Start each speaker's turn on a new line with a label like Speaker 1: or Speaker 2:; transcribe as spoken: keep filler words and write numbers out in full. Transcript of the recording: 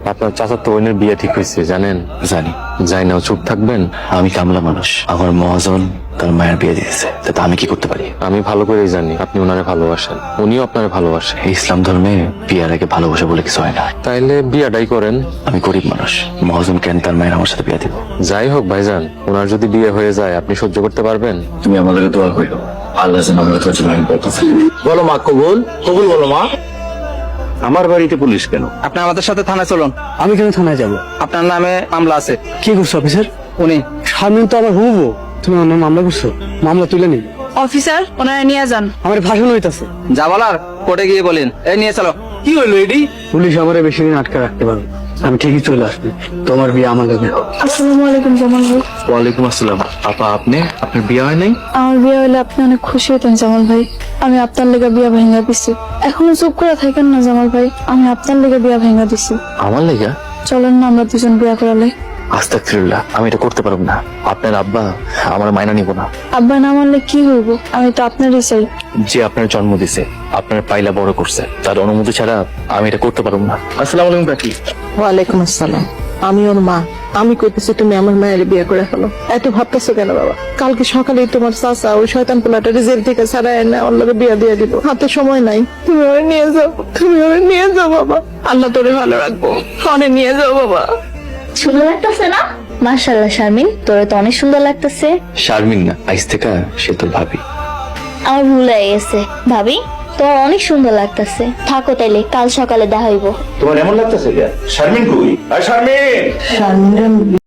Speaker 1: আপনার চাচাতো বোনের বিয়ে ঠিক হয়েছে জানেন?
Speaker 2: জানি।
Speaker 1: যাই না, চুপ থাকবেন?
Speaker 2: আমি কামলা মানুষ, আমার মহাজন তার মায়ের বিয়ে দিয়েছে, তাতে আমি কি করতে পারি?
Speaker 1: আমি ভালো করেই জানি আপনি ওনারে ভালোবাসেন, উনিও আপনারে ভালোবাসেন।
Speaker 2: এই ইসলাম ধর্মে বিয়ার আগে ভালোবাসা বলে কিছু হয় না।
Speaker 1: তাইলে বিয়াটাই করেন।
Speaker 2: আমি গরিব মানুষ, মহাজন কেন তার মায়ের আমার সাথে বিয়ে দিব?
Speaker 1: যাই হোক ভাইজান, ওনার যদি বিয়ে হয়ে যায় আপনি সহ্য করতে পারবেন?
Speaker 2: তুমি আমাদেরকে দোয়া করিও, আল্লাহ যেন আমাদের ধৈর্য ধারণ করতে পারে।
Speaker 3: বলো মা, কবুল কবুল বলো মা।
Speaker 4: আমার বাড়িতে পুলিশ কেন?
Speaker 3: আপনি আমাদের সাথে থানায় চলুন।
Speaker 5: আমি কেন থানায় যাব?
Speaker 3: আপনার নামে মামলা আছে।
Speaker 5: কি করছো অফিসার?
Speaker 3: উনি
Speaker 5: শারমিন তো আমার হুবো। তুমি আমার নামে মামলা করছো? মামলা তুলে নিন।
Speaker 6: অফিসার ওনারা নিয়ে যান।
Speaker 5: আমার ভাষণ হইতাছে।
Speaker 3: যা বলার কোর্টে গিয়ে বলেন। এই নিয়ে চলো।
Speaker 5: কি হইলো এডি? পুলিশ আমারে বেশি দিন আটকে রাখতে পারবে। আমি ঠিকই চলে আসবো। তোমার বিয়ে আমার লগে হোক।
Speaker 6: আসসালামু আলাইকুম জামাল ভাই।
Speaker 2: ওয়ালাইকুম আসসালাম। আপা, আপনি আপনার বিয়ে হয় নাই?
Speaker 6: আমার বিয়ে হলে আপনি অনেক খুশি হতেন জামাল ভাই। আমি আপনার লেগে বিয়া ভেঙা দিছি। এখনো চুপ করে থাকেন না জামাল ভাই, আমি আপনার লেগে বিয়া ভেঙা দিছি।
Speaker 2: আমার লেগা?
Speaker 6: চলেন না আমরা দুজন বিয়া করালে।
Speaker 2: আস্তাগফিরুল্লাহ, আমি এটা করতে পারবো না। আপনার আব্বা আমার মাইনা নিব না।
Speaker 6: আব্বা না মানলে কি হইব? আমি তো আপনারই চাই।
Speaker 2: যে আপনার জন্ম দিছে, আপনার পাইলা বড় করছে, তার অনুমতি ছাড়া আমি এটা করতে পারবো না। আসসালামু আলাইকুম কাকি।
Speaker 7: ওয়ালাইকুম আসসালাম। আমি ওর মা, আমি কইতেছি তুমি আমার মায়ের বিয়ে করে ফেলো। এত ভাবতেছো কেন বাবা? কালকে সকালেই তোমার চাচা ওই শয়তান পোলাটা জেল থেকে ছাড়াই না ওর লগে বিয়ে দিয়ে দিল। হাতে সময় নাই, তুমি ওরে নিয়ে যাও, তুমি ওরে নিয়ে যাও বাবা। আল্লাহ তোরে ভালো রাখবো, ওরে নিয়ে যাও বাবা।
Speaker 8: সুন্দর লাগতেছে না? মাশাআল্লাহ শারমিন, তোরে তো অনেক সুন্দর লাগতেছে।
Speaker 2: শারমিন না, আইস থেকে সে তোর ভাবি।
Speaker 8: আমার ভুল হয়ে গেছে। ভাবি তোর অনেক সুন্দর লাগতেছে। থাকো তাইলে, কাল সকালে দেখা হইব।
Speaker 4: তোমার এমন লাগতেছে? শারমিন কই? আর শারমিন
Speaker 7: শারমিন